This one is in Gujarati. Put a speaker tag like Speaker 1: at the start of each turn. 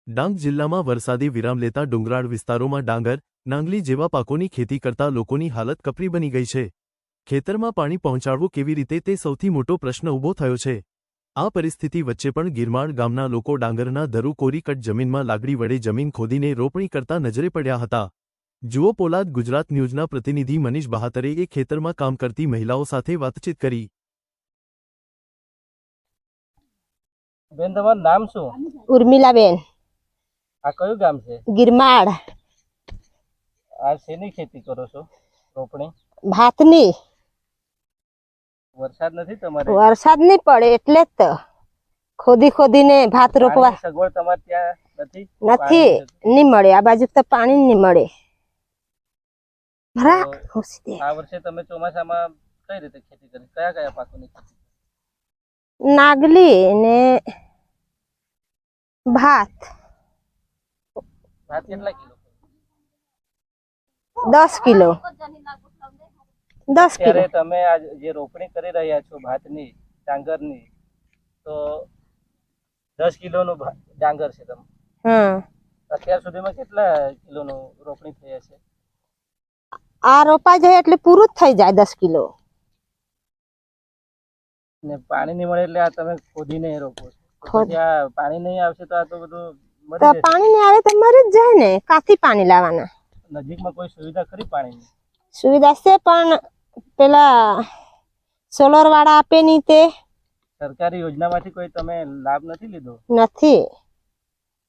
Speaker 1: ડાંગ જિલ્લામાં વરસાદી વિરામ લેતા ડુંગરાળ વિસ્તારોમાં ડાંગર, નાંગલી જેવા પાકોની ખેતી કરતા લોકોની હાલત કપરી બની ગઈ છે। ખેતરમાં પાણી પહોંચાડવું કેવી રીતે તે સૌથી મોટો પ્રશ્ન ઊભો થયો છે। આ પરિસ્થિતિ વચ્ચે પણ ગિરમાળ ગામના લોકો ડાંગરના ધરુ કોરી કટ જમીનમાં લાકડી વડે જમીન ખોદીને રોપણી કરતા નજરે પડ્યા હતા। જુઓ પોલાદ ગુજરાત ન્યૂઝના પ્રતિનિધિ મનીષ બહાતરે એ ખેતરમાં કામ કરતી મહિલાઓ સાથે વાતચીત કરી।
Speaker 2: બેન તમારું નામ શું?
Speaker 3: ઉર્મિલા બેન।
Speaker 2: આ કયું ગામ છે?
Speaker 3: ગિરમાળ।
Speaker 2: આ શેની ખેતી કરો છો? રોપણી?
Speaker 3: ભાતની।
Speaker 2: વરસાદ નથી તમારે?
Speaker 3: વરસાદ નહીં પડે એટલે જ તો ખોદી ખોદીને ભાત રોપવા।
Speaker 2: પાણીની સગવડ તમારે ત્યાં નથી?
Speaker 3: નથી, નહીં મળે। આ બાજુ તો પાણી નહીં મળે।
Speaker 2: તો આ વર્ષે તમે ચોમાસામાં કઈ રીતે ખેતી કરી? કયા કયા પાકોની ખેતી?
Speaker 3: નાગલી ને ભાત।
Speaker 2: ભાત કેટલા કિલો?
Speaker 3: 10 કિલો। 10 કિલો।
Speaker 2: ત્યારે તમે આ જે રોપણી કરી રહ્યા છો ભાતની, ડાંગરની, તો 10 કિલોનું ડાંગર છે તમે? અત્યાર સુધીમાં કેટલા કિલોનું રોપણી થઈ હશે?
Speaker 3: આ રોપા જાય એટલે પૂરું જ થઈ જાય 10 કિલો।
Speaker 2: ને પાણી નહીં મળે એટલે આ તમે ખોદીને રોપો છો? ત્યાં પાણી નહીં આવશે તો આ તો બધું મરી જશે।
Speaker 3: પાણી નહીં આવે તો મરી જ જાય ને। કાથી પાણી લાવવાના?
Speaker 2: નજીકમાં કોઈ સુવિધા ખરી પાણીની?
Speaker 3: સુવિધા છે પણ પેલા સોલર વાળા આપે નહીં તે।
Speaker 2: સરકારી યોજનામાંથી કોઈ તમે લાભ નથી લીધો?
Speaker 3: નથી।